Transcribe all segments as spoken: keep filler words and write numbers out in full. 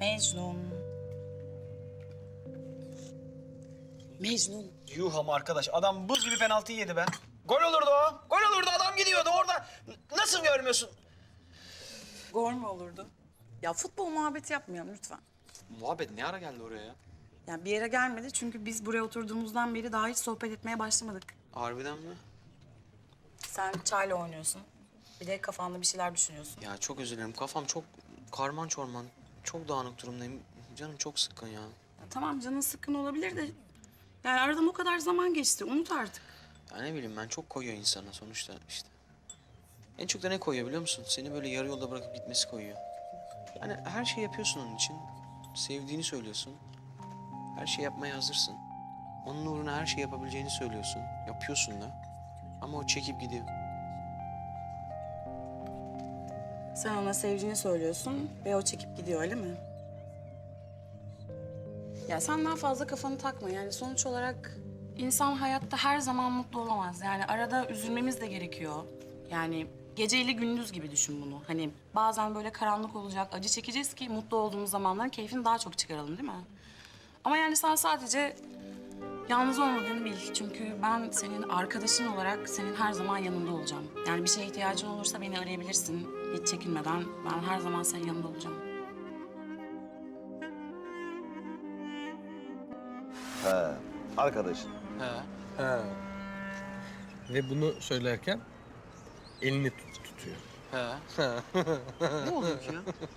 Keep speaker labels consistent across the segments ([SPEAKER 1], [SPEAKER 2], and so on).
[SPEAKER 1] Mecnun. Mecnun.
[SPEAKER 2] Yuh ama arkadaş adam buz gibi penaltıyı yedi be. Gol olurdu o. Gol olurdu adam gidiyordu orada. Nasıl görmüyorsun?
[SPEAKER 1] Gol mü olurdu? Ya futbol muhabbeti yapmayalım lütfen.
[SPEAKER 2] Muhabbet ne ara geldi oraya ya?
[SPEAKER 1] Yani bir yere gelmedi çünkü biz buraya oturduğumuzdan beri daha hiç sohbet etmeye başlamadık.
[SPEAKER 2] Harbiden mi?
[SPEAKER 1] Sen çayla oynuyorsun. Bir de kafanda bir şeyler düşünüyorsun.
[SPEAKER 2] Ya çok özür dilerim. Kafam çok karman çorman. Çok dağınık durumdayım. Canım çok sıkkın ya.
[SPEAKER 1] Ya tamam canın sıkkın olabilir de... Yani aradan o kadar zaman geçti. Unut artık.
[SPEAKER 2] Ya ne bileyim ben çok koyuyor insana sonuçta işte. En çok da ne koyuyor biliyor musun? Seni böyle yarı yolda bırakıp gitmesi koyuyor. Yani her şey yapıyorsun onun için. Sevdiğini söylüyorsun. Her şey yapmaya hazırsın. Onun uğruna her şey yapabileceğini söylüyorsun. Yapıyorsun da. Ama o çekip gidiyor.
[SPEAKER 1] Sen ona sevdiğini söylüyorsun ve o çekip gidiyor öyle mi? Ya sen daha fazla kafanı takma. Yani sonuç olarak insan hayatta her zaman mutlu olamaz. Yani arada üzülmemiz de gerekiyor. Yani geceyle gündüz gibi düşün bunu. Hani bazen böyle karanlık olacak, acı çekeceğiz ki mutlu olduğumuz zamanların keyfini daha çok çıkaralım değil mi? Ama yani sen sadece yalnız olmadığını bil. Çünkü ben senin arkadaşın olarak senin her zaman yanında olacağım. Yani bir şeye ihtiyacın olursa beni arayabilirsin. Hiç çekinmeden ben her zaman senin yanında olacağım.
[SPEAKER 3] He, arkadaşın.
[SPEAKER 2] He.
[SPEAKER 4] Ha. Ve bunu söylerken elini tut, tutuyor.
[SPEAKER 2] He. Ne oluyor ki ya?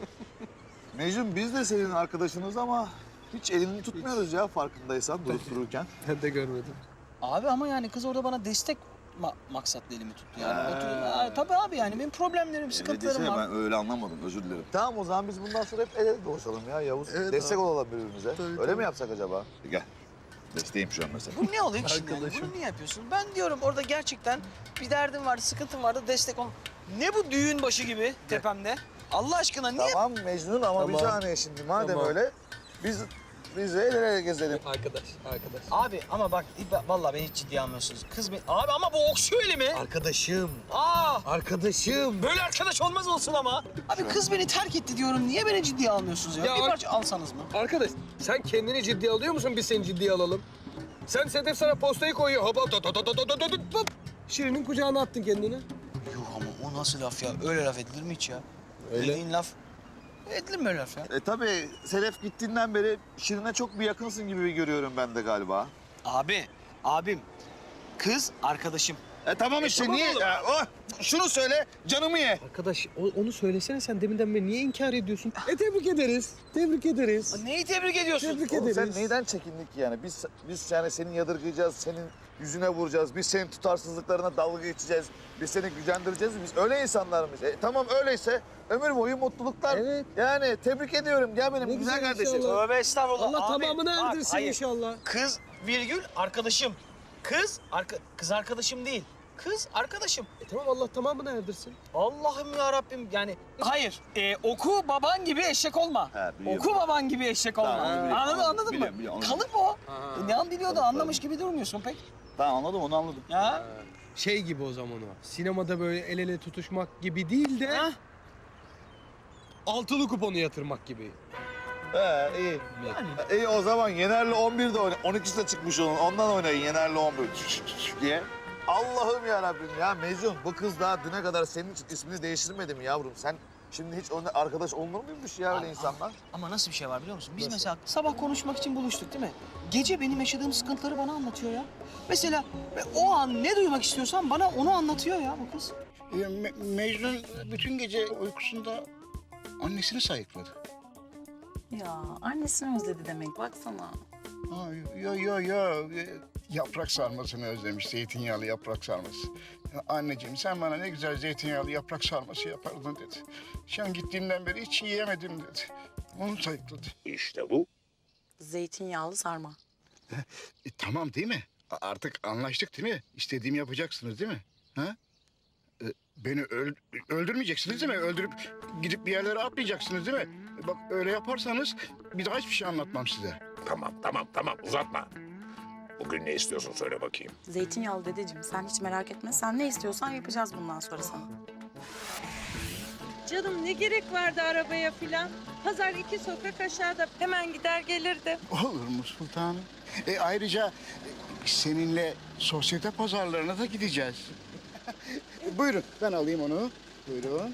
[SPEAKER 3] Mecnun biz de senin arkadaşınız ama hiç elini tutmuyoruz ya farkındaysan durup dururken.
[SPEAKER 4] Ben de görmedim.
[SPEAKER 2] Abi ama yani kız orada bana destek ma- maksatlı elimi tuttu yani.
[SPEAKER 3] He.
[SPEAKER 2] Otur, Aa, tabii abi yani benim problemlerim, sıkıntılarım
[SPEAKER 3] Desene,
[SPEAKER 2] var.
[SPEAKER 3] ben öyle anlamadım özür dilerim. Tamam o zaman biz bundan sonra hep el ele dolaşalım ya Yavuz. Destek olalım birbirimize. öyle mi yapsak acaba? Gel. Desteğim şu an mesela.
[SPEAKER 2] Bu ne oluyor ki şimdi? Yani?
[SPEAKER 4] Arkadaşım.
[SPEAKER 2] Bunu niye yapıyorsun? Ben diyorum orada gerçekten bir derdim vardı, sıkıntım vardı, destek ol. Ne bu düğün başı gibi tepemde? Allah aşkına niye?
[SPEAKER 3] Tamam Mecnun ama bir
[SPEAKER 4] Tamam.
[SPEAKER 3] saniye şimdi madem
[SPEAKER 4] Tamam.
[SPEAKER 3] öyle biz biz de el ele gezelim.
[SPEAKER 4] Arkadaş, arkadaş.
[SPEAKER 2] Abi ama bak vallahi beni hiç ciddiye almıyorsunuz. Kız beni... Abi ama bu okşuyor elimi.
[SPEAKER 4] Arkadaşım,
[SPEAKER 2] Aa!
[SPEAKER 4] arkadaşım.
[SPEAKER 2] Böyle arkadaş olmaz olsun ama. Abi kız beni terk etti diyorum. Niye beni ciddiye almıyorsunuz ya?
[SPEAKER 4] Ya
[SPEAKER 2] bir
[SPEAKER 4] ar-
[SPEAKER 2] parça alsanız mı?
[SPEAKER 4] Arkadaş, sen kendini ciddiye alıyor musun? Biz seni ciddiye alalım. Sen Sedef sana postayı koyuyor. Hop hop hop hop hop hop hop hop. Şirin'in kucağına attın kendini.
[SPEAKER 2] Yuh ama o nasıl laf ya? Öyle laf edilir mi hiç ya?
[SPEAKER 4] Öyle.
[SPEAKER 2] Dediğin laf. Edilir mi öyle laf ya?
[SPEAKER 3] E tabii Sedef gittiğinden beri Şirin'e çok bir yakınsın gibi görüyorum ben de galiba.
[SPEAKER 2] Abi, abim. Kız arkadaşım.
[SPEAKER 3] E tamam işte
[SPEAKER 2] tamam
[SPEAKER 3] niye?
[SPEAKER 2] oğlum.
[SPEAKER 3] Ya, oh, şunu söyle canımı ye.
[SPEAKER 4] Arkadaş, o- onu söylesene sen deminden beri niye inkar ediyorsun? E tebrik ederiz, tebrik ederiz.
[SPEAKER 2] Neyi tebrik ediyorsun?
[SPEAKER 4] Tebrik
[SPEAKER 3] Oğlum
[SPEAKER 4] ederiz.
[SPEAKER 3] sen neyden çekindik ki yani? Biz biz yani seni yadırgayacağız, senin yüzüne vuracağız. Biz senin tutarsızlıklarına dalga geçeceğiz. Biz seni gücendireceğiz. Biz öyle insanlar mıyız? E, tamam öyleyse ömür boyu mutluluklar.
[SPEAKER 4] Evet.
[SPEAKER 3] Yani tebrik ediyorum. Gel benim
[SPEAKER 4] Ne
[SPEAKER 3] güzel,
[SPEAKER 4] güzel
[SPEAKER 3] kardeşim.
[SPEAKER 4] inşallah.
[SPEAKER 2] Tövbe estağfurullah.
[SPEAKER 4] Allah
[SPEAKER 2] Abi,
[SPEAKER 4] tamamını
[SPEAKER 2] bak,
[SPEAKER 4] erdirsin
[SPEAKER 2] hayır.
[SPEAKER 4] inşallah.
[SPEAKER 2] Kız virgül arkadaşım. Kız arka, kız arkadaşım değil. Kız arkadaşım.
[SPEAKER 4] E tamam Allah tamamını erdirsin.
[SPEAKER 2] Allah'ım ya Rabbim yani. Hayır. E, oku baban gibi eşek olma.
[SPEAKER 3] He, biliyorum.
[SPEAKER 2] Oku baban gibi eşek olma.
[SPEAKER 3] Tamam, onu biliyorum.
[SPEAKER 2] Anladın, anladın
[SPEAKER 3] Biliyorum,
[SPEAKER 2] mı?
[SPEAKER 3] biliyorum,
[SPEAKER 2] Kalıp o.
[SPEAKER 4] Ha.
[SPEAKER 2] E, ne an biliyor da anlamış gibi durmuyorsun pek.
[SPEAKER 3] Tamam anladım onu anladım.
[SPEAKER 2] Ya.
[SPEAKER 4] Şey gibi o zaman o. Sinemada böyle el ele tutuşmak gibi değil de
[SPEAKER 2] Ha?
[SPEAKER 4] altılı kuponu yatırmak gibi.
[SPEAKER 3] He iyi. İyi o zaman Yener'le on birde oyna. on ikisi de çıkmış onun. Ondan oynayın Yener'le on bir diye. Allah'ım ya Rabbim ya Mecnun bu kız daha düne kadar senin için ismini değiştirmedi mi yavrum? Sen şimdi hiç onunla arkadaş olunur muymuş ya öyle insanlar?
[SPEAKER 2] Ama nasıl bir şey var biliyor musun? Biz mesela sabah konuşmak için buluştuk değil mi? Gece benim yaşadığım sıkıntıları bana anlatıyor ya. Mesela ve o an ne duymak istiyorsam bana onu anlatıyor ya bu kız.
[SPEAKER 5] E, Me- Mecnun bütün gece uykusunda annesini sayıkladı.
[SPEAKER 1] Ya annesini özledi demek baksana.
[SPEAKER 5] Ha, yo yo yo e, yaprak sarmasını özlemiş, zeytinyağlı yaprak sarması. Ya, anneciğim sen bana ne güzel zeytinyağlı yaprak sarması yapardın dedi. Sen gittiğinden beri hiç yiyemedim dedi. Onu sayıkladı.
[SPEAKER 6] İşte bu.
[SPEAKER 1] Zeytinyağlı sarma.
[SPEAKER 5] E, tamam değil mi? A- Artık anlaştık değil mi? İstediğimi yapacaksınız değil mi? Ha? E, beni öl- öldürmeyeceksiniz değil mi? Öldürüp gidip bir yerlere atmayacaksınız değil mi? E, bak öyle yaparsanız bir daha hiçbir şey anlatmam size.
[SPEAKER 6] Tamam tamam tamam uzatma. Bugün ne istiyorsun söyle bakayım.
[SPEAKER 1] Zeytinyağlı dedeciğim sen hiç merak etme. Sen ne istiyorsan yapacağız bundan sonra sana.
[SPEAKER 7] Canım ne gerek vardı arabaya filan? Pazar iki sokak aşağıda. Hemen gider gelirdim.
[SPEAKER 5] Olur mu sultanım? E, ayrıca e, seninle sosyete pazarlarına da gideceğiz. Buyurun, ben alayım onu. Buyurun.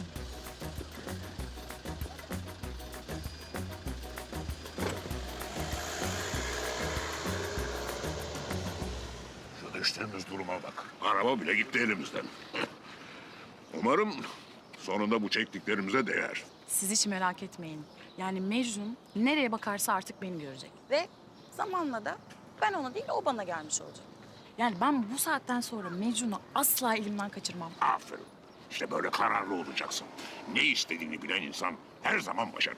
[SPEAKER 6] Şu düştüğümüz duruma bak. Araba bile gitti elimizden. Umarım sonunda bu çektiklerimize değer.
[SPEAKER 1] Siz hiç merak etmeyin. Yani Mecnun nereye bakarsa artık beni görecek. Ve zamanla da ben ona değil o bana gelmiş olacak. Yani ben bu saatten sonra Mecnun'u asla elimden kaçırmam.
[SPEAKER 6] Aferin. İşte böyle kararlı olacaksın. Ne istediğini bilen insan her zaman başarır.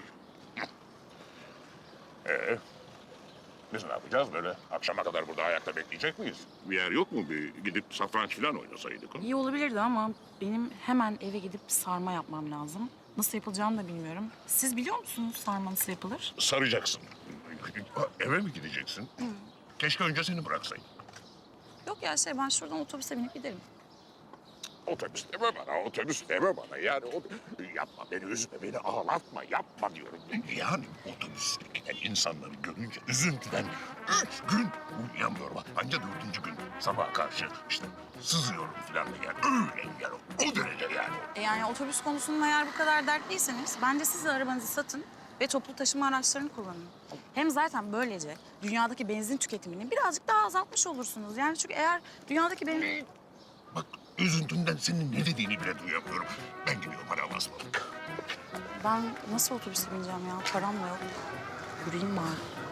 [SPEAKER 6] Ee, biz ne yapacağız böyle? Akşama kadar burada ayakta bekleyecek miyiz? Bir yer yok mu? Bir gidip satranç falan oynasaydık. Ha?
[SPEAKER 1] İyi olabilirdi ama benim hemen eve gidip sarma yapmam lazım. Nasıl yapılacağını da bilmiyorum. Siz biliyor musunuz sarma nasıl yapılır?
[SPEAKER 6] Saracaksın. Eve mi gideceksin? Keşke önce seni bıraksaydım.
[SPEAKER 1] Yok ya şey ben şuradan otobüse binip giderim.
[SPEAKER 6] Otobüs deme bana, otobüs deme bana. Yani o... Yapma, beni üzme, beni ağlatma, yapma diyorum. Yani otobüste giden insanları görünce üzüntüden üç gün uyuyamıyorum. Anca dördüncü gün sabaha karşı işte sızıyorum falan da yani. Öyle yani, o derece yani.
[SPEAKER 1] E yani otobüs konusunda eğer bu kadar dertliyseniz bence siz de arabanızı satın ve toplu taşıma araçlarını kullanın. Hem zaten böylece dünyadaki benzin tüketimini birazcık daha azaltmış olursunuz. Yani çünkü eğer dünyadaki benzin...
[SPEAKER 6] Bak üzüntümden senin ne dediğini bile duyamıyorum. Ben gidiyorum, hadi Allah'a ısmarladık.
[SPEAKER 1] Ben nasıl otobüse bineceğim ya? Param da yok. Yürüyeyim bari.